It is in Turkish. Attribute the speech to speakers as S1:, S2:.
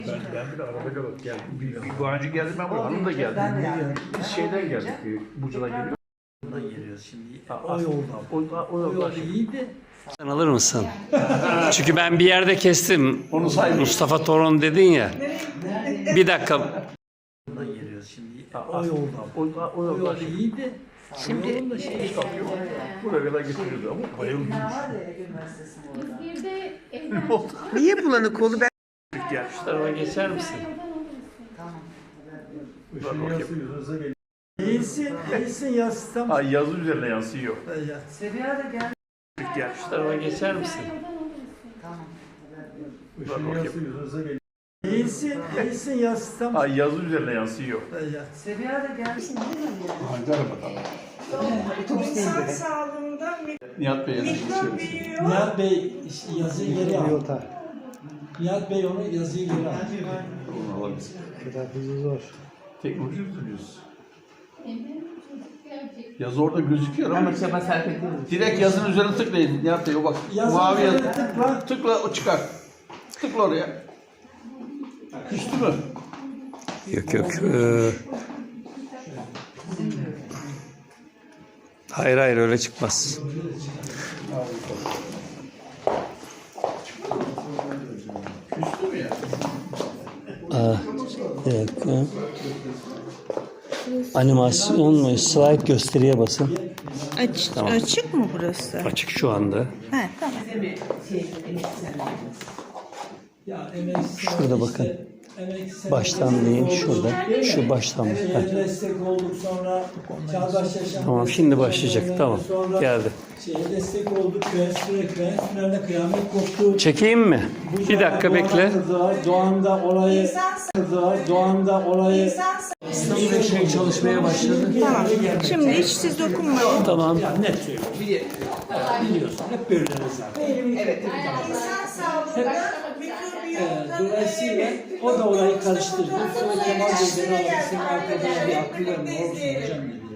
S1: Ben bile arada kalıp geldim. Bu önce geldim ben buraya. Hanım da geldi. Biz şeyden geldik. Buca'dan geliyor.
S2: Buradan geliyoruz şimdi.
S1: O yoldan. O yoldan.
S2: İyiydi.
S3: Sen alır mısın? Çünkü ben bir yerde kestim.
S1: Onu say.
S3: Mustafa Torun dedin ya. Bir dakika.
S2: Buradan geliyoruz şimdi.
S1: O yoldan. O yoldan.
S2: İyiydi.
S3: Şimdi
S1: Buraya kadar getiriyordu ama bayıldım.
S4: Bir de evden
S5: Niye bulanık oldu? Ben
S1: Gel.
S3: şu tarafa geçer misin?
S2: İyisin ya sistem.
S1: Ay yazı üzerine yansıyor. Gel.
S3: Şu tarafa geçer misin?
S2: İyisin ya sistem.
S1: Ay yazı üzerine yansıyor.
S6: İnsan sağlığında
S1: Nihat Bey'e
S6: mikrop büyüyor.
S2: Nihat Bey yazıyı geri al. Nihat Bey onu yazıyı geri al.
S1: Teknoloji üzülüyoruz. Yazı orada gözüküyor ama direkt yazının üzerine tıklayın. Nihat Bey o bak. Mavi yazı. Tıkla o çıkar. Tıkla oraya. Küstü mü?
S3: Yok yok. Hayır hayır öyle çıkmaz.
S1: Küstü mü ya?
S3: Bir dakika. Animasyon mu? Slide gösteriye basın.
S5: açık mı burası?
S3: Açık şu anda.
S5: He, tamam.
S3: Şurada bakın. Baştan diyeyim şurada. Şu baştan. Heh.
S2: Destek olduk sonra Çağdaş Yaşam.
S3: Tamam şimdi başlayacak. Tamam. Geldi.
S2: Destek olduk. Finalde kıyamet koptu.
S3: Çekeyim mi? Bir dakika bekle.
S2: Doğanda olayı
S3: Şey çalışmaya başladı.
S5: Tamam. Şimdi hiç siz dokunmayın.
S3: Tamam.
S2: net söylüyorum. Biliyorsun hep böyleler zaten.
S6: İnsan sağlığında mikrobiyom
S2: Dolayısıyla o da olayı karıştırdı. Sonra Kemal Bey beni aradı. Senin arkadaşın bir aklı var mı? Olsun hocam dedi.